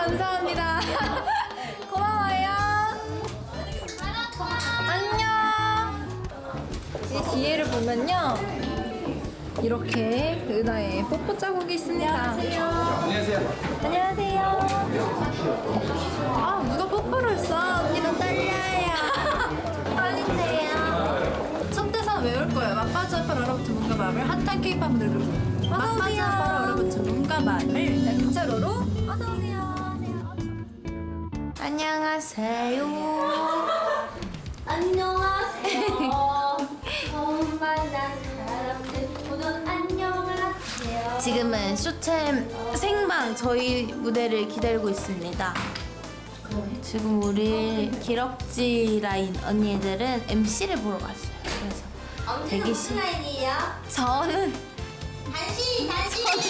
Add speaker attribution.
Speaker 1: 감사합니다. 고마워요. 안녕. 이 뒤에를 보면요, 이렇게 은하의 뽀뽀 자국이 있습니다. 안녕하세요. 안녕하세요. 아, 누가 뽀뽀를 했어? 언니도 떨려요. 아닌데요. 첫 대사 외울 거예요. 맛빠져 아빠로 얼어붙은 몸과 마음을 핫한 케이팝 무대로. 맛빠져 아빠로 얼어붙은 몸과 마음을 날짜로로 어서오세요. 안녕하세요.
Speaker 2: 안녕하세요. 처음 만난 사람들 모두 안녕을 하세요.
Speaker 1: 지금은 쇼챔 생방 저희 무대를 기다리고 있습니다. 지금 우리 기럭지 라인 언니들은 MC를 보러 갔어요. 그래서
Speaker 2: 언니는
Speaker 1: 대기실.
Speaker 2: 무슨 라인이에요?
Speaker 1: 저는
Speaker 2: 단시.